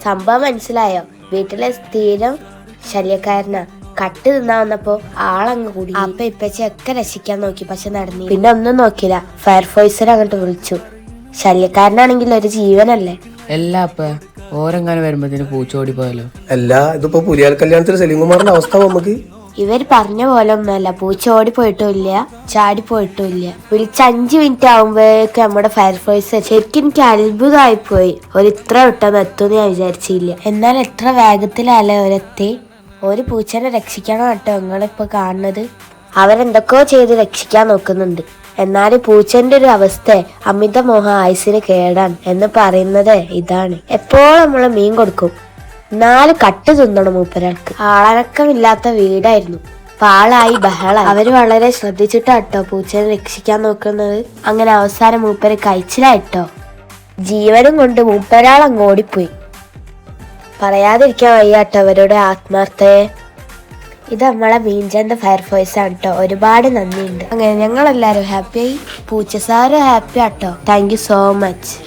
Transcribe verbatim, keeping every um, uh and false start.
സംഭവം മനസ്സിലായോ? വീട്ടിലെ സ്ഥിരം ശല്യക്കാരനാ. കട്ട് തിന്നാ വന്നപ്പോ ആളങ്ങ് കൂടി. അപ്പൊ ഇപ്പച്ചൊക്കെ രക്ഷിക്കാൻ നോക്കി, പക്ഷെ നടന്നില്ല. പിന്നെ ഒന്നും നോക്കില്ല, ഫയർഫോഴ്സിനെ അങ്ങോട്ട് വിളിച്ചു. ശല്യക്കാരനാണെങ്കിൽ ഒരു ജീവനല്ലേ. എല്ലാ അപ്പ ഓരെങ്ങാനും വരുമ്പത്തിന് പൂച്ചോടി പോയാലോ? അല്ല, ഇതിപ്പോ പുലിയാൽ കല്യാണത്തിന് സലീംകുമാറിന്റെ അവസ്ഥ നമുക്ക്. ഇവർ പറഞ്ഞ പോലെ ഒന്നുമല്ല. പൂച്ച ഓടിപ്പോയിട്ടും ഇല്ല, ചാടിപ്പോയിട്ടും ഇല്ല. വിളിച്ച് അഞ്ചു മിനിറ്റ് ആകുമ്പോഴേക്കും നമ്മുടെ ഫയർഫോഴ്സ്. ശരിക്കും എനിക്ക് അത്ഭുതമായി പോയി. ഒരു ഇത്ര വിട്ടെന്ന് എത്തുമെന്ന് ഞാൻ വിചാരിച്ചില്ല. എന്നാൽ എത്ര വേഗത്തിലല്ലേ ഒരെത്തി. ഒരു പൂച്ചനെ രക്ഷിക്കണം കേട്ടോ നിങ്ങളിപ്പോ കാണുന്നത്. അവരെന്തൊക്കെയോ ചെയ്ത് രക്ഷിക്കാൻ നോക്കുന്നുണ്ട്. എന്നാൽ പൂച്ചന്റെ ഒരു അവസ്ഥ അമിത മോഹ ആയുസിന് കേടാണ് എന്ന് പറയുന്നത് ഇതാണ്. എപ്പോഴും നമ്മള് മീൻ കൊടുക്കും, നാല് കട്ട് തിന്നണം മൂപ്പരാൾക്ക്. ആളനക്കമില്ലാത്ത വീടായിരുന്നു. പാളായി ബഹള. അവര് വളരെ ശ്രദ്ധിച്ചിട്ടാട്ടോ പൂച്ചനെ രക്ഷിക്കാൻ നോക്കുന്നത്. അങ്ങനെ അവസാനം മൂപ്പര് കഴിച്ചിലായിട്ടോ. ജീവനും കൊണ്ട് മൂപ്പരാൾ അങ്ങ് ഓടിപ്പോയി. പറയാതിരിക്കാൻ വയ്യാട്ടോ അവരുടെ ആത്മാർത്ഥയെ. ഇത് നമ്മളെ മീൻചന്ത ഫയർഫോഴ്സ് ആണ് കേട്ടോ. ഒരുപാട് നന്ദിയുണ്ട്. അങ്ങനെ ഞങ്ങളെല്ലാരും ഹാപ്പിയായി, പൂച്ച സാറ് ഹാപ്പി ആട്ടോ. Thank you so much.